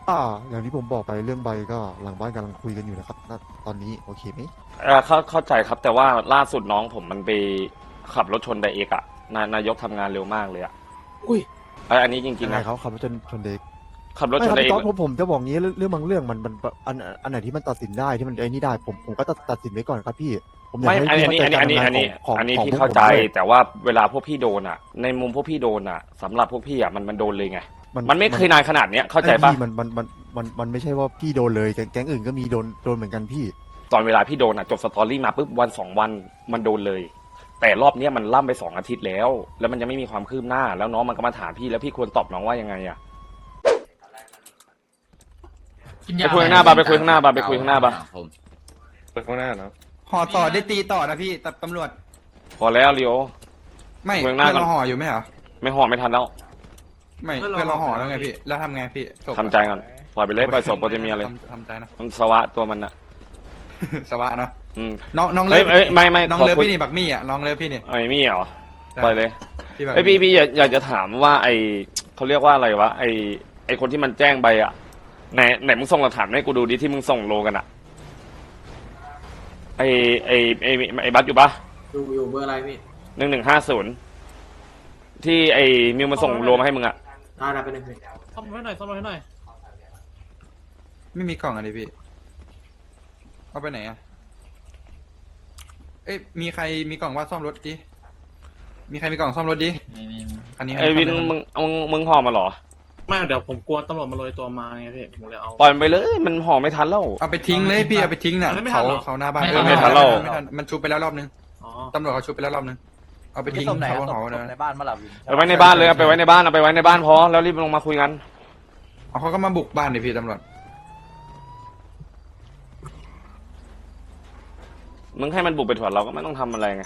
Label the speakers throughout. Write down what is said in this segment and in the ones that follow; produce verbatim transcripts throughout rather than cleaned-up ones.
Speaker 1: อ่าอย่างที่ผมบอกไปเรื่องใบก็หลังบ้านกำลังคุยกันอยู่นะครับณตอนนี้โอเคไหม
Speaker 2: เออเข้าเข้าใจครับแต่ว่าล่าสุดน้องผมมันไปขับรถชนไดเอกอะนานายกทำงานเร็วมากเลยอะ
Speaker 1: อุ้ย
Speaker 2: เอยอันนี้จริ
Speaker 1: ยังงไง
Speaker 2: ๆนะ
Speaker 1: เขาขับรถชนชนเด็ก
Speaker 2: ขับรถ
Speaker 1: ไม่ครับ
Speaker 2: ชนไดเอก
Speaker 1: พี่ต๊อดผมผมจะบอกงี้เรื่องเรื่องบางเรื่องมันมันอันอันไหนที่มันตัดสินได้ที่มันไอ้นี่ได้ผมผมก็ตัดตัดสินไว้ก่อนครับพี่ผมอยาก
Speaker 2: ไม่
Speaker 1: ให้
Speaker 2: อัน
Speaker 1: พี่
Speaker 2: นี้
Speaker 1: เข้า
Speaker 2: อัน
Speaker 1: ใจ
Speaker 2: นี้
Speaker 1: การ
Speaker 2: อันนี้
Speaker 1: ทำงาน
Speaker 2: อันนี้
Speaker 1: ของของ
Speaker 2: อันนี้
Speaker 1: ของ
Speaker 2: พี่
Speaker 1: พวก
Speaker 2: เข้า
Speaker 1: ผม
Speaker 2: ใจ
Speaker 1: ด้วย
Speaker 2: แต่ว่าเวลาพวกพี่โดนอะในมุมพวกพี่โดนอะสำหรับพวกพี่อะมันมันโดนเลยไงมันไม่เคยนานขนาดเนี้ยเข้าใจปะ
Speaker 1: พี่มันมันมันมันมันไม่ใช่ว่าพี่โดนเลยแก๊งแก๊งอื่นก็มีโดนโดนเหมือนกันพี่
Speaker 2: ตอนเวลาพี่โดนอะจบสตอรี่มาปุ๊บวันสองวันมันโดนเลย แต่รอบเนี้ยมันล่ำไปสองอาทิตย์แล้ว แล้วมันยังไม่มีความคืบหน้าแล้วน้องมันก็มาถามพี่แล้วพี่ควรตอบน้องว่ายังไงอะ ไปคุยข้างหน้าบาร์ไปคุยข้างหน้าบาร์ไปคุยข้างหน้าบาร์
Speaker 3: ไปข้างหน้าเนาะ
Speaker 4: ห่อต่อได้ตีต่อนะพี่แต่ตำรวจ
Speaker 2: พอแล้วเลียว
Speaker 4: ไม่
Speaker 2: เมื
Speaker 4: เพื่
Speaker 2: อ
Speaker 4: อง น
Speaker 2: หน้าก่อน
Speaker 4: เราห่ออยู่ไหมเหรอ
Speaker 2: ไม่ห่อไม่ทันแล้ว
Speaker 4: ไม่เพื่อนเราห่อแล้วไงพี่แล้วทำไงพี่ศพ
Speaker 2: ทำใจก่อนปล่อยไปเลยปล่อยศพโปรตีเมียเลย
Speaker 4: ทำทำใจนะ
Speaker 2: มันสวะตัวมันอะ
Speaker 4: สวะเนาะ
Speaker 2: อืม
Speaker 4: น้องน้อง
Speaker 2: เอ้
Speaker 4: เลิ
Speaker 2: ยเอ้ยไม่ไม่
Speaker 4: น้อง
Speaker 2: ขอ
Speaker 4: เลิฟ
Speaker 2: คุย
Speaker 4: พี่นี่บักมี่อ่ะน้องเลิฟพี่นี่
Speaker 2: ไอ้มี่เหรอปล่อยเลย
Speaker 4: พี่บัก
Speaker 2: ไอยพี่พี่อยากอยากจะถามว่าไอเขาเรียกว่าอะไรวะไอไอคนที่มันแจ้งใบอะไหนไหนมึงส่งหลักฐานให้กูดูดิที่มึงส่งโลกันอะไอไอไอไอบัสอยู่ปะ
Speaker 5: อยู่อยู่เบอร์อะไรพี่
Speaker 2: หนึ่งหนึ่งห้าศูนย์ที่ไอมิวมันส่งโลมาให้มึงอะ
Speaker 5: ได้ได้ไปหนึ่งพี่
Speaker 6: ซ่อมรถให้หน่อยซ่อมรถให้หน่อย
Speaker 4: ไม่มีกล่องอะไรพี่เอาไปไหนอ่ะเอ้ยมีใครมีกล่องว่าซ่อมรถดิมีใครมีกล่องซ่อมรถดิอันนี้
Speaker 2: ไอวินมึงมึงมึงห่อมาเหรอ
Speaker 6: ไม่เดี๋ยวผมกลัวตำรวจมาโรยตัวมาไงพี่ผมเลยเอา
Speaker 2: ปล่อยมันไปเลยมันห่อไม่ทันแล้ว
Speaker 4: เอาไปทิ้งเลยพี่เอาไปทิ้งน่ะ
Speaker 6: ไม่ทั
Speaker 4: เขา
Speaker 6: นเหรอ
Speaker 4: เขาหน้าบ้าน
Speaker 2: ไม่ทันไม่ทันแล้ว
Speaker 4: ไม่ทันมันชุบไปแล้วรอบนึง
Speaker 6: อ๋อ
Speaker 4: ตำรวจเขาชุบไปแล้วรอบนึงเอาไปทิ้งเขาหอเลย
Speaker 7: ในบ้านมาหลับวิน
Speaker 2: ไปไว้ในบ้านเลยเอาไปไว้ในบ้านเอาไปไว้ในบ้านพอแล้วรีบลงมาคุยกัน
Speaker 4: เอาเขาก็มาบุกบ้านดิพี่ตำรวจ
Speaker 2: มึงให้มันบุกไปถอดเราก็ไม่ต้องทำอะไรไง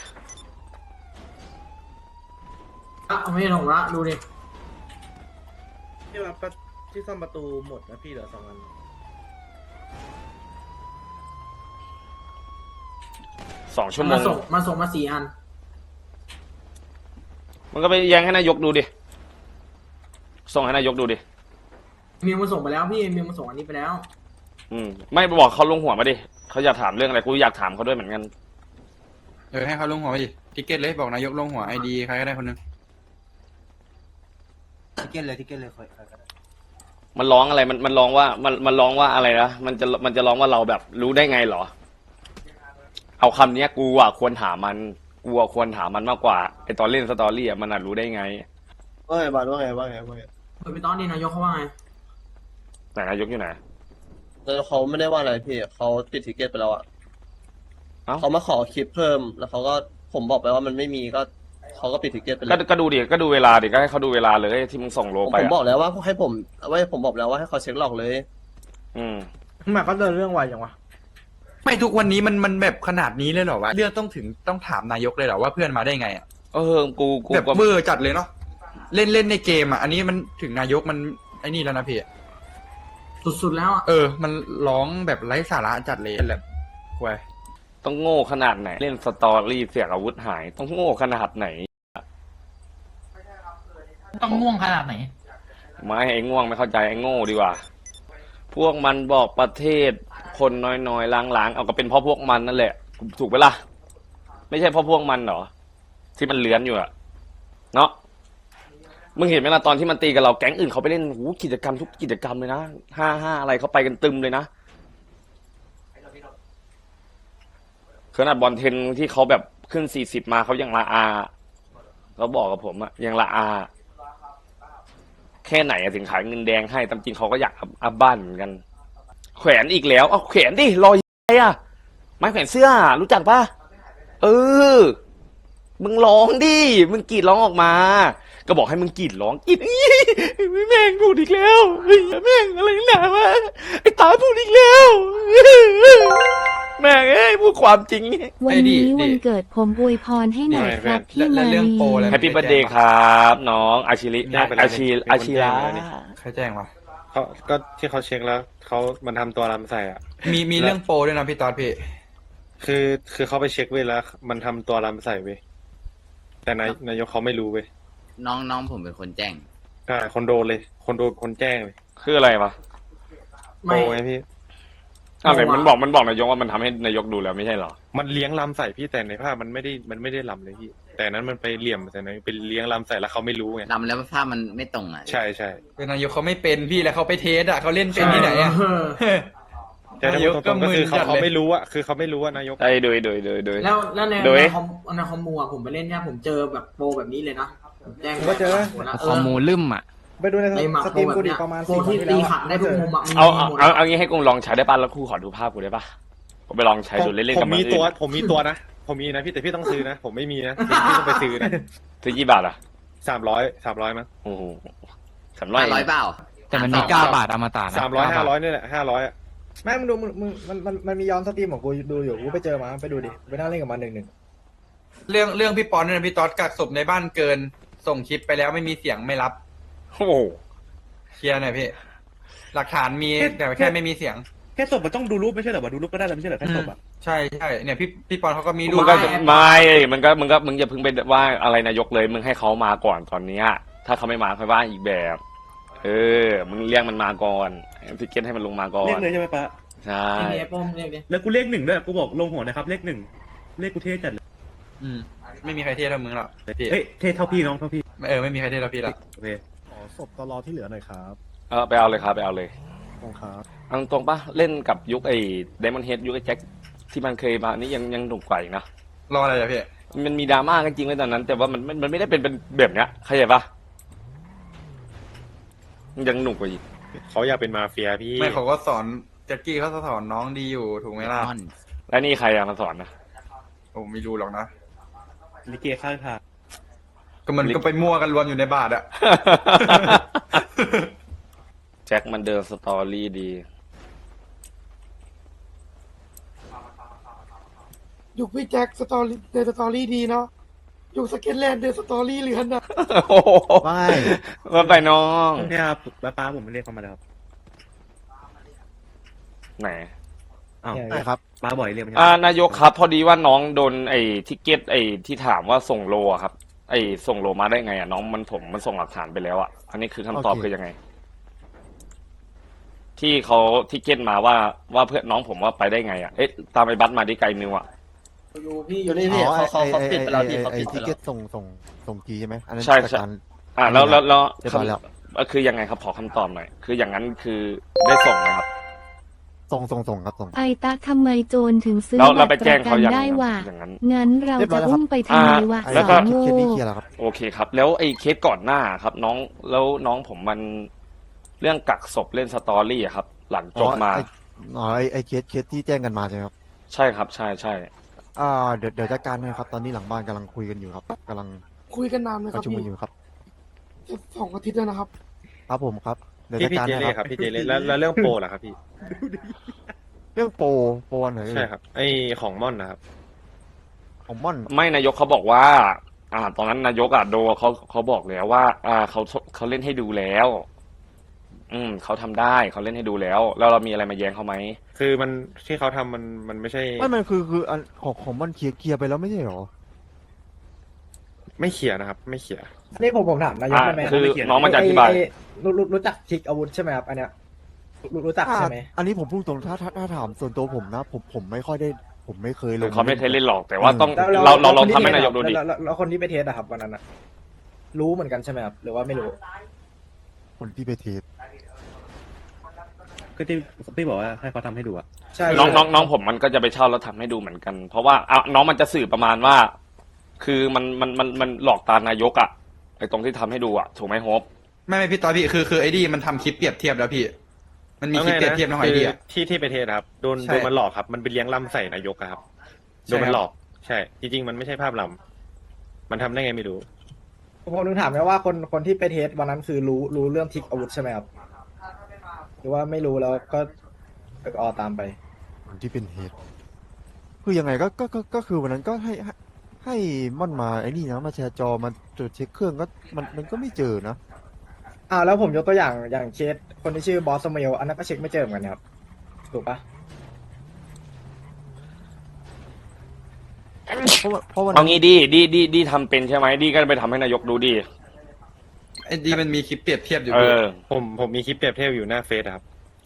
Speaker 5: อ่ะเอาไม่ใช่ของละดูดิ
Speaker 7: ที่ว่าที่ซ่อมประตูหมดนะพี่เหลือสองอัน
Speaker 2: สองชั่วโม
Speaker 5: มาง ส่งมาส่งมาสี่อัน
Speaker 2: มันก็ไปแย้งให้นายกดูดิส่งให้นายกดูดิ
Speaker 5: มิวมาส่งไปแล้วพี่มิวมาส่งอันนี้ไปแล้ว
Speaker 2: อืมไม่บอกเขาลงหัวมาดิเขาอยากถามเรื่องอะไรกูอยากถามเขาด้วยเหมือนกัน
Speaker 4: เออให้เขาลงหัวไปดิทิเก็ตเลยบอกนายกลงหัวไอดีใครก็ได้คนหนึง
Speaker 7: ทิเก็ตเลยทิเก็ตเลยใครใครก็ได้
Speaker 2: มันร้องอะไรมันมันร้องว่ามันมันร้องว่าอะไรนะมันจะมันจะร้องว่าเราแบบรู้ได้ไงเหรอ เอาคำเนี้ยกูอ่ะควรถามมันกูอ่ะควรถามมันมากกว่าไอตอนเล่นสตอรี่อ่ะมันอ่ะรู้ได้ไง
Speaker 3: ว่าไงบาทว่าไงว่าไงว่าไง
Speaker 5: เปิดไปตอนนี้นายกเขาว่าไง
Speaker 2: แต่นายกอยู่ไหน
Speaker 3: แต่เขาไม่ได้ว่าอะไรพี่เขาปิดทิเก็ตไปแล้วอ่ะ
Speaker 2: เอ้า
Speaker 3: เขามาขอคลิปเพิ่มแล้วเขาก็ผมบอกไปว่ามันไม่มีก็เขาก็ปิดทิเก็ตไปเล
Speaker 2: ก็
Speaker 3: ย
Speaker 2: ก็ดูดิก็ดูเวลาดิก็ให้เขาดูเวลาเลยที่มึงส่งโล
Speaker 3: ผม
Speaker 2: ไป
Speaker 3: ผมบอ
Speaker 2: อ่ะ
Speaker 3: กแล้วว่าให้ผมว่าผมบอกแล้วว่าให้เขาเช็คหลอกเลย
Speaker 2: อืม
Speaker 7: ทำไมเขาเดินเรื่องไวจังวะ
Speaker 4: ไม่ทุกวันนี้มันมันแบบขนาดนี้เลยเหรอวะเรื่องต้องถึงต้องถามนายกเลยเหรอว่าเพื่อนมาได้ไงอ่ะ
Speaker 2: เออกูกู
Speaker 4: แบบ
Speaker 2: ก็
Speaker 4: เบอร์จัดเลยเนาะเล่นเล่นในเกมอ่ะอันนี้มันถึงนายกมันไอ้นี่แล้วนะพี่
Speaker 5: สุดๆแล้วอ่ะ
Speaker 4: เออ มันร้องแบบไร้สาระจัดเลยแหละควย
Speaker 2: ต้องโง่ขนาดไหน เล่นสตอรี่เสียอาวุธหาย ต้องโง่ขนาดไหน
Speaker 6: ต้องง่วงขนาดไหน
Speaker 2: ไม่ไอ้ง่วงไม่เข้าใจไอ้โง่ดีกว่า พวกมันบอกประเทศคนน้อยๆล้างๆเอาก็เป็นเพราะพวกมันนั่นแหละ ถูกไหมล่ะ ไม่ใช่เพราะพวกมันเหรอที่มันเลื้อนอยู่อะเนาะมึงเห็นไหมล่ะตอนที่มันตีกับเราแก๊งอื่นเขาไปเล่นหูกิจกรรมทุกกิจกรรมเลยนะห้าห้าอะไรเขาไปกันตึมเลยนะขนาดบอลเทนที่เขาแบบขึ้นสี่สิบมาเขายังละอาเขาบอกกับผมอะยังละอา แค่ไหนอะถึงขายเงินแดงให้ตามจริงเขาก็อยากอัพบ้านเหมือนกัน แขวนอีกแล้วเอาแขวนดิรอยอะไรอะไม้แขวนเสื้อรู้จักปะเออ มึงร้องดิมึงกรีดร้องออกมา ก็บอกให้มึงกรีดร้องกรีดแม่งพูดอีกแล้วแม่งอะไรหนาวะไอ้ตาพูดอีกแล้วแม่งเอ้ยพูดความจริง
Speaker 8: วันนี้วันเกิดผมอวยพรให้หน่อยครับพี่
Speaker 4: และ
Speaker 8: มา
Speaker 4: เรื่อง
Speaker 8: ลี
Speaker 4: โปรอะไร
Speaker 2: แฮปปี้เบิร์ดเดย์ครับน้องอาชิริ
Speaker 3: ได้ไปแล้ว
Speaker 2: อาชิ
Speaker 3: เป็นคน
Speaker 2: อาชิระ
Speaker 3: แจ้งเลยนี่
Speaker 4: ใครแจ้งวะ
Speaker 3: เขาก็ที่เขาเช็คแล้วเขามันทำตัวลำใส่อ่ะ
Speaker 4: มีมีเรื่องโปรด้วยนะพี่ตอนพี่
Speaker 3: คือคือเขาไปเช็คเว้ยแล้ว มันทำตัวลำใส่เว้ยแต่นายนายกเขาไม่รู้เว้ย
Speaker 9: น้องน้องผมเป็นคนแจ้ง
Speaker 3: ใช่คนโดนเลย คนโดนคนแจ้งเลย
Speaker 2: คืออะไรวะ
Speaker 3: โป
Speaker 5: ไม่
Speaker 3: ไงพี่
Speaker 2: อ้าวไหน
Speaker 5: เอาอะ
Speaker 2: มันบอกมันบอกนายกว่ามันทำให้นายกดูแล้วไม่ใช่เหรอ
Speaker 3: มันเลี้ยงลำใส่พี่แต่ในภาพมันไม่ได้มันไม่ได้ลำเลยพี่ แต่นั้นมันไปเหลี่ยมแต่นั้นเป็นเลี้ยงลำใส่แล้วเขาไม่รู้ไง
Speaker 9: ลำแล้วภาพมันไม่ตรงอ่ะ
Speaker 3: ใช่ใช่
Speaker 4: เป็นนายกเขาไม่เป็นพี่แล้วเขาไปเทสอ่ะเขาเล่นเป็นที่ไหนอ่ะ
Speaker 5: เออ
Speaker 3: แต่ถ้าพูดตรงๆก็คือเขาเขาไม่รู้อะคือเขาไม่รู้ว่านายก
Speaker 2: ไอ้โดยโดยโดยโดย
Speaker 5: แล้วแล้วใน
Speaker 2: โดย
Speaker 5: ในคอมในคอมมูอ่ะผมไปเล่นเนี่ยผมเจอแบบโปรแบบนี้เลยนะผมแจ้ง
Speaker 7: ผมก็เจอ
Speaker 9: คอมมูลืมอ่ะ
Speaker 7: ไปดูใน
Speaker 5: ในหมัก
Speaker 7: ส
Speaker 5: โป
Speaker 7: ต
Speaker 5: ร
Speaker 7: รีม
Speaker 5: แบบ
Speaker 7: กูดิ
Speaker 5: เนี้ย
Speaker 7: ประมาณ
Speaker 5: โปร
Speaker 7: สี่
Speaker 5: ที่
Speaker 7: วันที่
Speaker 5: ตี
Speaker 7: แล้ว
Speaker 5: ขัดได้ทุกมุมอ่ะมัน
Speaker 2: เอา
Speaker 5: มี
Speaker 2: เอา
Speaker 5: หมด
Speaker 2: เอาเอางี้ให้กูลองใช้ได้ป่ะแล้วกูขอดูภาพกูได้ป่ะผมไปลองใช้ดูเล่นๆ
Speaker 3: ผ
Speaker 2: กับ
Speaker 3: ม
Speaker 2: มัน
Speaker 3: มี
Speaker 2: อื่
Speaker 3: ตัวน ผมมีตัวนะ ผมมีนะพี่แต่พี่ต้องซื้อนะ ผมไม่มีนะพี่ต้องไปซื้อนะ
Speaker 2: ซื้อกี่บาทอ่ะ
Speaker 3: สามร้อยสามร้อยมั้ง
Speaker 2: โอ้โหสามร้อย
Speaker 9: ร้อยเปล่า
Speaker 6: แต่มันมีเก้าบาทอมตะนะ
Speaker 3: สามร้อยห้าร้อยนี่แหละห้าร้อยอะ
Speaker 7: ไม่มึงดูมึงมึงมันมันมันมีย้อนสตรีมของกูดูอยู่กูไปเจอมาไปดูดิไปนั่งเล่นกับมันหนึ่งหนึ่ง
Speaker 4: เรื่องเรื่องพี่ปอนเนี่ยนะพี่ต๊อดกักศพในบ้านเกิน ส่งคลิปไปแล้วไม่มีเสียงไม่รับ
Speaker 2: โอ้โห
Speaker 4: เคลียร์หน่อยพี่ หลักฐานมีแต่แค่ไม่มีเสียง
Speaker 6: แค่ศพมันต้องดูรูปไม่ใช่เหรอวะดูรูปก็ได้แล้วไม่ใช่เหรอแค่ศพอ่ะ
Speaker 4: ใช่ใช่เนี่ยพี่พี่ปอนเขาก็มีรู
Speaker 2: มึ
Speaker 4: ป
Speaker 2: งก็ไม่มึงก็มึงก็มึงอย่าเพิ่งไปว่าอะไรนายกเลยมึงให้เขามาก่อนตอนเนี้ยถ้าเขาไม่มาค่อยว่าอีกแบบ เออมึงเรียกมันมาก่อนพิเกตให้มันลงมาก่อน
Speaker 6: เลขเลยใช่ไหมปะ
Speaker 2: ใช่
Speaker 5: ไม่มีไอ้โปรมเรียกดิ
Speaker 6: แล้วกูเลขหนึ่งด้วยกูบอกลงหัวนะครับเลขหนึ่งเลขกูเท่จัดเลย
Speaker 4: อืมไม่มีใครเท่เท่ามึงหรอกพี่
Speaker 6: เฮ้ยเท่เท่าพี่น้องเท่าพี่
Speaker 4: เออไม่มีใครเท่เท่าพี่หรอก
Speaker 6: โอเค
Speaker 1: ขอศพตลอที่เหลือหน่อยครับ
Speaker 2: เออไปเอาเลยครับไปเอาเลย
Speaker 1: ขอบครับ
Speaker 2: เอาตรงๆปะเล่นกับยุคไอ้ไดมอนเฮดยุคไอ้แจ็คที่มันเคยมานี่ยังยังหนุกกว่าอีกนะ
Speaker 4: รออะไรอะพี่
Speaker 2: มันมีดราม่ากันจริงเลยตอนนั้น แต่ว่ามันมันมันไม่ได้เป็นเป็นแบบเนี้ยเข้าใจปะมันยังหนุกกว่าอีก
Speaker 3: เขาอยากเป็นมาเฟียพี่
Speaker 4: ไม่เขาก็สอนแจ็คกี้เขาสอนน้องดีอยู่ถูกไหมล่ะ
Speaker 2: แล้วนี่ใครอะมาสอนนะ
Speaker 4: ผมไม่รู้หรอกนะ
Speaker 6: ลิเกข้างทาง
Speaker 4: ก็มันก็ไปมั่วกันรวมอยู่ในบาทอะ
Speaker 2: แจ็คมันเดินสตอรี่ดี
Speaker 10: ยุคพี่แจ็คสตอรี่เดนสตอรี่ดีเนาะยุคสเก็ตแลนด์เดนสตอรี่เหลือนนะ
Speaker 2: โอ้โห
Speaker 1: ไม่
Speaker 2: มาไปน้อง
Speaker 6: เนี่ยครับป้าป้าผมเรียกเขามาแล้วครับ
Speaker 2: ไหน
Speaker 6: อ้าว
Speaker 1: ใช่ครับ
Speaker 6: ป้าบ่อยเรียกมา
Speaker 2: อ่านายกครับพอดีว่าน้องโดนไอ้ทิเก็ตไอ้ที่ถามว่าส่งโลอะครับ ไอ้ส่งโลมาได้ไงอะน้องมันผมมันส่งหลักฐานไปแล้วอะอันนี้คือคำตอบ
Speaker 1: โอเค
Speaker 2: คือยังไง ที่เขาทิเก็ตมาว่าว่าเพื่อนน้องผมว่าไปได้ไงอะเอ๊ะตามไอ้บัสมาดิไกลนิวอะ
Speaker 5: อยู่พี่อ
Speaker 1: อยู่
Speaker 5: ยู่
Speaker 1: นี่
Speaker 5: นี่
Speaker 1: พี่
Speaker 5: พี่
Speaker 1: เขา
Speaker 5: เขา
Speaker 1: เขา
Speaker 5: เขา
Speaker 1: เขา
Speaker 5: ปิ
Speaker 1: ปิ
Speaker 5: ด
Speaker 1: ด
Speaker 5: ไป
Speaker 1: ไป
Speaker 5: แล้
Speaker 1: แล้ว ว
Speaker 5: พี่
Speaker 1: พี่
Speaker 5: เขา
Speaker 1: ไอ้
Speaker 5: ปิดไป
Speaker 1: ทิ
Speaker 5: แล้ว
Speaker 1: เก็ตส่งส่งส่งทีใช่ไหมอันนั้น
Speaker 2: ใช่
Speaker 1: จัด
Speaker 2: ใช่
Speaker 1: การ
Speaker 2: อ่าแล้วแล้วแล้ว
Speaker 1: เรียบร้อยแล้ว
Speaker 2: คำคือยังไงครับขอคำตอบหน่อยคืออย่างนั้นคือได้ส่งไหมครับ
Speaker 1: ส่งส่งส่งครับส่ง
Speaker 8: ไอตะทำไมโจรถึงซื้อ
Speaker 2: แล้วเรา
Speaker 8: บั
Speaker 2: ไป
Speaker 8: ตรป
Speaker 2: แจ้ง
Speaker 8: ระกั
Speaker 2: เขา
Speaker 8: น
Speaker 2: ยัง
Speaker 8: ได้วะ
Speaker 2: อย่างนั้น
Speaker 8: งั้นเรา
Speaker 1: เรียบร้อ
Speaker 8: จะ
Speaker 1: ยแล้วครับ
Speaker 8: อุ้มไปทำไมวะ
Speaker 2: แล้
Speaker 8: ส
Speaker 2: วก็
Speaker 8: อง
Speaker 1: เค
Speaker 8: โง่
Speaker 1: สนี้เคลียร์แล้วครับ
Speaker 2: โอเคครับ แล้วไอ้เคสก่อนหน้าครับ น้องแล้วน้องผมมันเรื่องกักศพเล่นสตอรี่อะครับ หลังจบมา
Speaker 1: อ๋อไอ้อ๋อไอไอเคสเคสที่แจ้งกันมาใช่ไหมครับ
Speaker 2: ใช่ครับ ใช่ใช่
Speaker 1: อ่าเดี๋ยวเดี๋ยวจัดการให้ครับ ตอนนี้หลังบ้านกำลังคุยกันอยู่ครับกำลัง
Speaker 10: คุยกันนานไหม
Speaker 1: ป
Speaker 10: ครั
Speaker 1: ระ
Speaker 10: บ
Speaker 1: ชุม
Speaker 10: พี่
Speaker 1: กันอยู่ครับ
Speaker 10: จะสองอาทิตย์แล้วนะครับ
Speaker 1: ครับผมครับเดี๋ยว
Speaker 3: พี่
Speaker 1: จัด
Speaker 3: พี่
Speaker 1: การ
Speaker 3: เจ
Speaker 1: ให้
Speaker 3: เล่
Speaker 1: ค
Speaker 3: ค
Speaker 1: รั
Speaker 3: รับ บพี่เจเล่แล้วแล้วเรื่องโปรล่ะครับพี่
Speaker 1: เรื่องโปรโปรอันไหนเอ่ย
Speaker 3: ใช่ครับไอของม่อนนะครับ
Speaker 1: ของม่อน
Speaker 2: ไม่นายกเขาบอกว่า อ่า ตอนนั้นนายกอ่ะโดเขาเขาบอกแล้วว่า อ่าเขาเขาเล่นให้ดูแล้ว อืมเขาทำได้เขาเล่นให้ดูแล้ว แล้วเรามีอะไรมาแย้งเขาไหม
Speaker 3: คือมันที่เขาทำมันมันไม่ใช่
Speaker 1: ไม่มันคือคืออันของของม่อนเคลียร์เคลียร์ไปแล้วไม่ใช่เหรอ
Speaker 3: ไม่เขียนนะครับ ไม่เขียน
Speaker 7: อันนี้ผมผมถามนายก
Speaker 2: อ่า
Speaker 7: ได้ไหม
Speaker 2: คือน้องมันจะอธิบาย
Speaker 7: ไอ้รู้รู้รู้จักทิกอาวุธใช่ไหมครับอันเนี้ยรู้รู้จักใช่ไหม
Speaker 1: อันนี้ผมพูดตรงถ้าถ้าถ้าถามส่วนตัวผมนะ ผมผมไม่ค่อยได้ ผมไม่เคยลง
Speaker 2: เขาไม่เคยเล่นหรอกแต่ว่าต้อง
Speaker 7: แล้ว
Speaker 2: เราเรา
Speaker 7: แว
Speaker 2: เรา
Speaker 7: คนที่
Speaker 2: ทำให้นายกดู
Speaker 7: เทส
Speaker 2: ดิ
Speaker 7: อะแล้วแล้วแล้วคนที่ไปเทสอะครับวันนั้นอะรู้เหมือนกันใช่ไหมครับหรือว่าไม่รู้
Speaker 1: คนที่ไปเทส
Speaker 6: ก็ที่พี่บอกว่าให้เขาทำให้ดูอะ
Speaker 7: ใช่
Speaker 2: น้องน้องน้องผมมันก็จะไปเช่าแล้วทำให้ดูเหมือนกัน เพราะว่าอ่ะน้องมันจะสื่อประมาณว่า คือมันมันมันมันหลอกตานายกอะไอ้ตรงที่ทำให้ดูอะถูกไหมโฮป
Speaker 4: ไม่ไม่พี่ต๊อดพี่คือคือไอ้ดีมันทำคลิปเปรียบเทียบแล้วพี่ มันมีคลิปเปรียบเทียบน้องไอ
Speaker 3: คือ
Speaker 4: เดีย
Speaker 3: ที่ที่ไปเทสครับโดน
Speaker 4: ใช่
Speaker 3: โดนมันหลอกครับ มันไปเลี้ยงล่ำใส่นายกอะครับ
Speaker 4: ใช่
Speaker 3: โดนมัน
Speaker 4: ครับ
Speaker 3: หลอก ใช่ จริง ๆ มันไม่ใช่ภาพลำมันทำได้ไงไม่รู้
Speaker 7: ผมถึงถามไงว่าคนคนที่ไปเทสวันนั้นคือรู้รู้เรื่องทิกอาวุธใช่ไหมครับหรือว่าไม่รู้แล้วก็ก็ออตามไป
Speaker 1: คนที่เป็นเหตุ คือยังไงก็ก็ก็ก็คือวันนั้นก็ให้ให้ให้ม่อนมาไอ้นี่นะมาแชร์จอมาตรวจเช็คเครื่องก็มันมันก็ไม่เจอนะ
Speaker 7: อ่าแล้วผมยกตัวอย่างอย่างเคสคนที่ชื่อบอสสมิลอันนั้นก็เช็คไม่เจอเหมือนกันครับถูกปะ
Speaker 1: เพราะว่าเพราะวัน
Speaker 2: เอา
Speaker 1: นั้น
Speaker 2: งี้ดีดีดีดีทำเป็นใช่ไหมดีก็ไปทำให้นายกดูดิ
Speaker 4: ไอ้ดีมันมีคลิปเปรียบเทียบอยู่
Speaker 2: เอ
Speaker 4: พี่
Speaker 2: อ
Speaker 3: ผมผมมีคลิปเปรียบเทียบอยู่หน้าเฟซครับ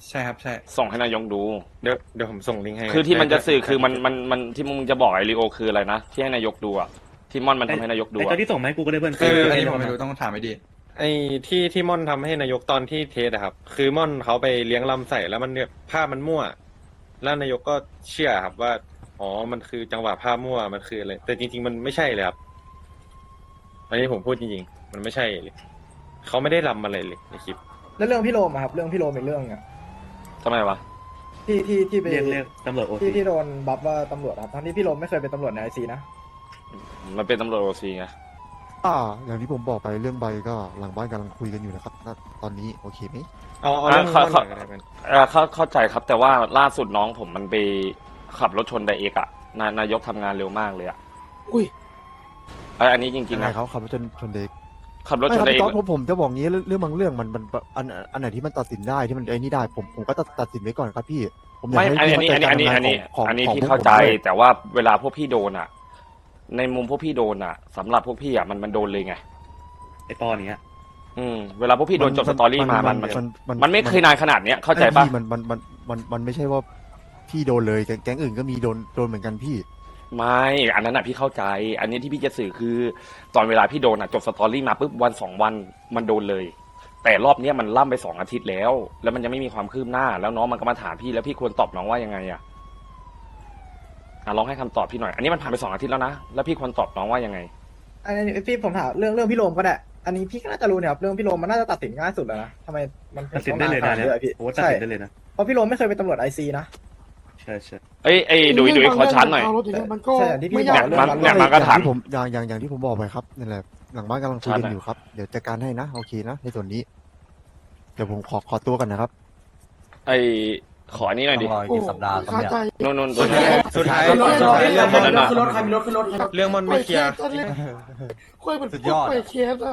Speaker 4: ใช่ครับใช่
Speaker 2: ส่งให้นายกดู
Speaker 3: เดี๋ยวเดี๋ยวผมส่งลิงก์ให้
Speaker 2: คือที่มันจะสื่อคือมัน
Speaker 3: ได้
Speaker 2: มันมันที่มึงจะบอกไอริโอคืออะไรนะที่ให้นายกดูอะที่ม่อนมันทำให้นายกดู
Speaker 6: ไอ้
Speaker 2: อะ
Speaker 6: ตอนที่ส่งมาให้กูก็ได้เพื่อน
Speaker 4: คืออัน
Speaker 6: ไ
Speaker 4: นี้ผมไม่รู้ต้องถามไอ้ดี
Speaker 3: ไอ้ที่ที่ม่อนทำให้นายกตอนที่เทสอะครับ คือม่อนเขาไปเลี้ยงลำใส่แล้วมันเนี่ยภาพมันมั่ว แล้วนายกก็เชื่อครับว่าอ๋อมันคือจังหวะภาพมั่วมันคืออะไรแต่จริง ๆ มันไม่ใช่เลยครับ อันนี้ผมพูดจริงๆ มันไม่ใช่เลยเขาไม่ได้ลำอะไรเลยในคลิป
Speaker 7: แล้วเรื่องพี่โรมอะครับเรื่องพี่โรมเป็นเรื่องอะ
Speaker 2: ทำไมวะ
Speaker 7: ที่ที่ที่ไป
Speaker 6: เรียกเรียกตำรวจโอ
Speaker 7: ที่
Speaker 6: ซี
Speaker 7: ที่โดนบัฟว่าตำรวจครับทั้งที่พี่โรมไม่เคยเป็นตำรวจในไอซีนะ
Speaker 2: มันเป็นตำรวจโอซีไง
Speaker 1: อ่าอย่างที่ผมบอกไปเรื่องใบก็หลังบ้านกำลังคุยกันอยู่นะครับณตอนนี้โอเคไหม
Speaker 3: เอาเอาเรื่อง
Speaker 2: อ่ะ
Speaker 3: ม่อน
Speaker 2: เขา
Speaker 3: ก่อนก็ได้เป็น
Speaker 2: เอ่อเข้าเข้าใจครับ แต่ว่าล่าสุดน้องผมมันไปขับรถชนไดเอกอะนายนายกทำงานเร็วมากเลยอะ
Speaker 10: อุ้ย
Speaker 2: ไอยอันนี้จริง
Speaker 1: ยัง
Speaker 2: ๆ
Speaker 1: ไง
Speaker 2: นะ
Speaker 1: เขาขับรถชนชนเด็ก
Speaker 2: ขับรถ
Speaker 1: ไม่
Speaker 2: ช
Speaker 1: คน รับ
Speaker 2: ไดเอ
Speaker 1: พี่
Speaker 2: ก
Speaker 1: ต๊อดผมผมจะบอกงี้เรื่องเรื่องบางเรื่องมันมันอันอันไหนที่มันตัดสินได้ที่มันไอ้นี่ได้ผมผมก็ตัดตัดสินไว้ก่อนครับพี่ผมอยาก
Speaker 2: ไม่
Speaker 1: ให้
Speaker 2: อัน
Speaker 1: พี่
Speaker 2: นี้
Speaker 1: เข้า
Speaker 2: อัน
Speaker 1: ใจ
Speaker 2: นี้
Speaker 1: การ
Speaker 2: อันนี้
Speaker 1: ทำงาน
Speaker 2: อันนี้
Speaker 1: ของของ
Speaker 2: อันนี้พี่
Speaker 1: พวก
Speaker 2: เข้าใจ
Speaker 1: ผมด้วย
Speaker 2: แต่ว่าเวลาพวกพี่โดนอะในมุมพวกพี่โดนอะสำหรับพวกพี่อะมันมันโดนเลยไง
Speaker 6: ไอ้ตอนเนี้ย
Speaker 2: อืมเวลาพวกพี่โดนจบสตอรี่มามันมันมันไม่เคยนานขนาดเนี้ยเข้าใจ
Speaker 1: ไอ้
Speaker 2: ปะ
Speaker 1: พี่มันมันมันมันมันไม่ใช่ว่าพี่โดนเลยแก๊งแก๊งอื่นก็มีโดนโดนเหมือนกันพี่
Speaker 2: ไม่อันนั้นอะพี่เข้าใจ อันนี้ที่พี่จะสื่อคือ ตอนเวลาพี่โดนอะจบสตอรี่มาปุ๊บวันสองวันมันโดนเลย แต่รอบเนี้ยมันล่ำไปสองอาทิตย์แล้ว แล้วมันยังไม่มีความคืบหน้า แล้วน้องมันก็มาถามพี่แล้วพี่ควรตอบน้องว่ายังไงอะอ่ะลองให้คำตอบพี่หน่อย อันนี้มันผ่านไปสองอาทิตย์แล้วนะแล้วพี่ควรตอบน้องว่ายังไง
Speaker 7: อันนี้พี่ผมถามเรื่องเรื่องพี่โรมก็ได้อันนี้พี่ก็น่าจะรู้เนี่ยครับเรื่องพี่โรมมันน่าจะตัดสินง่ายสุดแล้วนะทำไมมัน
Speaker 6: ตัดสินได้เลยนะเนี่ย
Speaker 7: อะพี่
Speaker 6: โอ้ตัด
Speaker 7: ใช่
Speaker 6: สินได้เลยนะ
Speaker 7: เพราะพี่โรมไม่เคยเป็นตำรวจไอซีนะ
Speaker 6: ใช่ใช่
Speaker 2: เอ้ยเอ้ยดุยดุยขอชาร์จหน่อย
Speaker 10: เรถางเงี้มันก็
Speaker 7: ใช่อย่างที่พี่
Speaker 10: ไม่
Speaker 7: บอย
Speaker 10: าก
Speaker 7: กเรื่อง
Speaker 2: เนี่ย
Speaker 7: นั้น
Speaker 2: มันก็ถาม
Speaker 1: อย่งที่ผมอย่างอย่างอย่างที่ผมบอกไปครับนั่นแหละหลังบ้านกำลังคุยกัน
Speaker 2: ชัดอะ
Speaker 1: อยู่ครับเดี๋ยวจัดการให้นะโอเคนะในส่วนนี้ เดี๋ยวผมขอขอตัวกันนะครับ
Speaker 2: ไอ้ขออันนี้หน่อยดิ
Speaker 10: โอ้คาใจ
Speaker 2: นู่นนู่นตัว
Speaker 3: สุดท้าย
Speaker 5: ขึ้นรถ
Speaker 3: สุดท้าย
Speaker 5: ขึ้นร
Speaker 3: เรื่อง
Speaker 5: ถ
Speaker 3: มัน
Speaker 5: ขึ้นรถใครมีรถขึ้นรถ
Speaker 3: เรื่องมันไม่เคลียร์
Speaker 10: ปล่อเคสตอนเล่นคุยเหมือน
Speaker 9: สุด
Speaker 10: พ
Speaker 9: ยว
Speaker 10: ก
Speaker 9: อด
Speaker 10: ปล่อยเคสอะ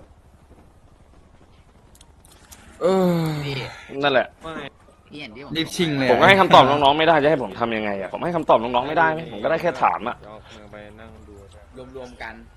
Speaker 2: เออนั่นแหละ
Speaker 9: พี่เห็นที่ผม
Speaker 4: รีบชิงเลย
Speaker 2: ผมก็ให้คำตอบน้องๆไม่ได้จะให้ผมทำยังไงอะผมให้คำตอบน้องๆไม่ได้ไหมผมก็ได้แค่ถามอะ
Speaker 3: เดี๋ยวเอามือไปนั่งดู
Speaker 9: รวมๆกัน